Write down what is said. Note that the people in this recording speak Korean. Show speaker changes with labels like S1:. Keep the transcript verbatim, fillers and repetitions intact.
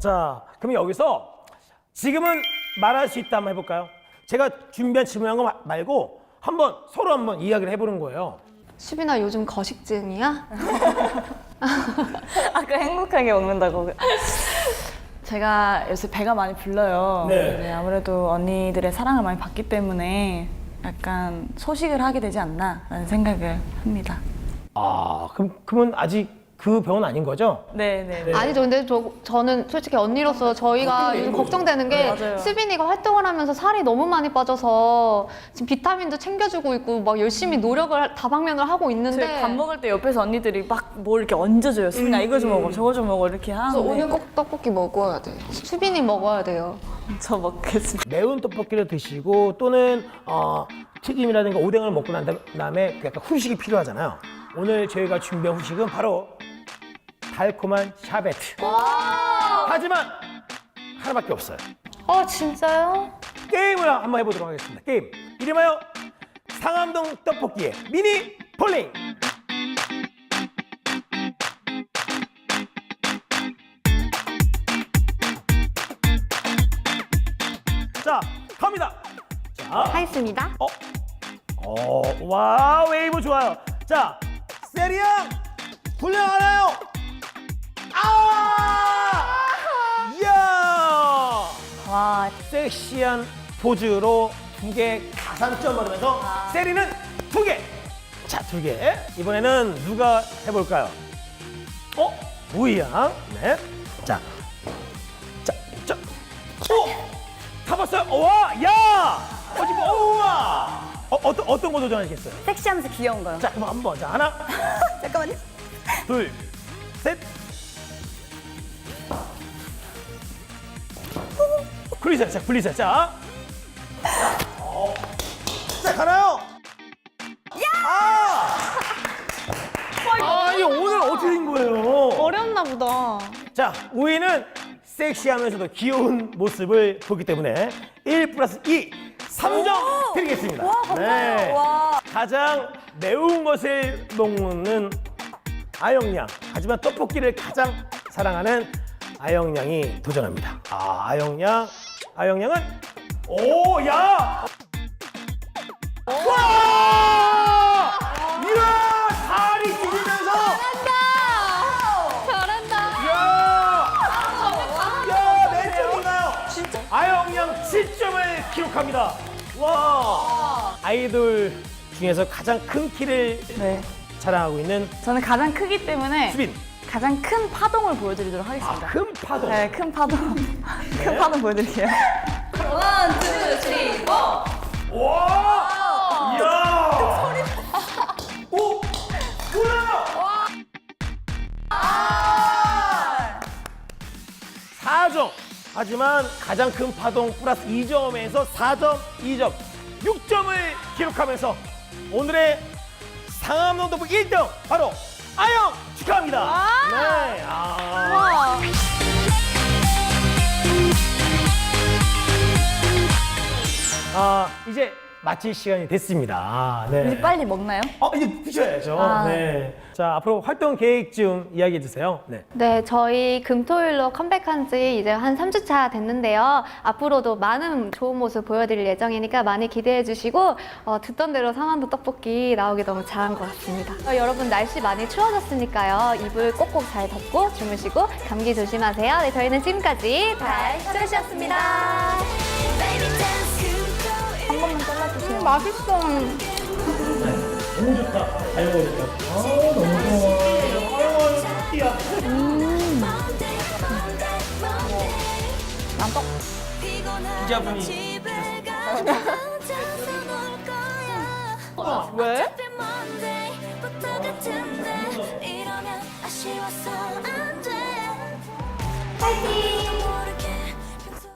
S1: 자, 그럼 여기서 지금은 말할 수 있다 한번 해볼까요? 제가 준비한 질문한 거 마- 말고 한번 서로 한번 이야기를 해보는 거예요.
S2: 수빈아 요즘 거식증이야?
S3: 아까 행복하게 먹는다고. 제가 요새 배가 많이 불러요.
S1: 네.
S3: 네, 아무래도 언니들의 사랑을 많이 받기 때문에 약간 소식을 하게 되지 않나라는 생각을 합니다.
S1: 아, 그럼 그러면 아직 그 병은 아닌 거죠?
S3: 네, 네, 네.
S2: 아니죠. 근데 저, 저는 솔직히 언니로서 저희가 요즘 걱정되는 게
S3: 네, 맞아요.
S2: 수빈이가 활동을 하면서 살이 너무 많이 빠져서 지금 비타민도 챙겨주고 있고 막 열심히 노력을 다방면을 하고 있는데
S3: 저희 밥 먹을 때 옆에서 언니들이 막 뭘 이렇게 얹어줘요. 수빈아 이거 좀 먹어, 저거 좀 먹어 이렇게
S4: 그래서
S3: 하는데
S4: 오늘 꼭 떡볶이 먹어야 돼.
S2: 수빈이 먹어야 돼요.
S3: 저 먹겠습니다.
S1: 매운 떡볶이를 드시고 또는 어, 튀김이라든가 오뎅을 먹고 난 다음에 약간 후식이 필요하잖아요. 오늘 저희가 준비한 후식은 바로 달콤한 샤베트. 하지만 하나밖에 없어요.
S2: 아 진짜요?
S1: 게임을 한번 해보도록 하겠습니다. 게임 이름하여 상암동 떡볶이의 미니 폴링. 자, 갑니다. 자,
S2: 하겠습니다.
S1: 어, 어, 와, 웨이브 좋아요. 자, 세리 형, 훌륭하나요? 아! 이야!
S3: 와,
S1: 섹시한 포즈로 두 개 가산점 받으면서 세리는 두 개. 자, 두 개. 이번에는 누가 해볼까요? 어? 우이 양. 네. 자, 자, 자. 오! 타봤어요? 와, 야! 어, 지금, 우와! 어, 어떤, 어떤 거 도전하시겠어요?
S3: 섹시하면서 귀여운 거요.
S1: 자, 그럼 한번. 자, 하나,
S3: 잠깐만요.
S1: 둘, 셋. 굴리세요. 자, 굴리세요. 자. 어. 자, 가나요? 아! 아, 이거 오늘 어떻게 된 거예요?
S2: 어렵나 보다.
S1: 자, 우이는 섹시하면서도 귀여운 모습을 보기 때문에 일 플러스 이, 삼 점 드리겠습니다.
S3: 와, 감사해요.
S1: 네.
S3: 와.
S1: 가장 매운 것을 먹는 아영양. 하지만 떡볶이를 가장 사랑하는 아영양이 도전합니다. 아, 아영양. 아영양은 오, 야! 와! 이야! 살이 찢으면서
S2: 잘한다.
S1: 야! 야, 몇 점인가요? 진짜? 아영양 칠 점을 기록합니다. 와! 아이돌 중에서 가장 큰 키를
S3: 네.
S1: 자랑하고 있는
S3: 저는 가장 크기 때문에
S1: 수빈.
S3: 가장 큰 파동을 보여드리도록
S1: 아,
S3: 하겠습니다.
S1: 큰 파도.
S3: 네, 큰 파동. 큰 파동 보여드릴게요.
S1: 와! 이야! 소리. 오! 뭐야? 사 점. 하지만 가장 큰 파동 플러스 이 점에서 사 점, 이 점, 육 점을 기록하면서 오늘의 상암동 떡볶이 일 등 바로 아영 축하합니다. 네. 아. 아, 이제 마칠 시간이 됐습니다. 네.
S3: 이제 빨리 먹나요?
S1: 어, 이제 드셔야죠.
S3: 아.
S1: 네. 자, 앞으로 활동 계획 좀 이야기해 주세요. 네.
S2: 네, 저희 금토일로 컴백한 지 이제 한 삼 주 차 됐는데요. 앞으로도 많은 좋은 모습 보여드릴 예정이니까 많이 기대해 주시고 어, 듣던 대로 상암동 떡볶이 나오기 너무 잘한 것 같습니다. 어, 여러분 날씨 많이 추워졌으니까요. 이불 꼭꼭 잘 덮고 주무시고 감기 조심하세요. 네, 저희는 지금까지 달스트레스였습니다. 한 번만 잘라주세요. 맛있어.
S1: 너무 좋다. 잘 먹으니까. 아, 너무 좋아. 아유, 떡볶이야.
S3: 난떡.
S1: 기자분이.
S3: 왜?
S5: 파이팅!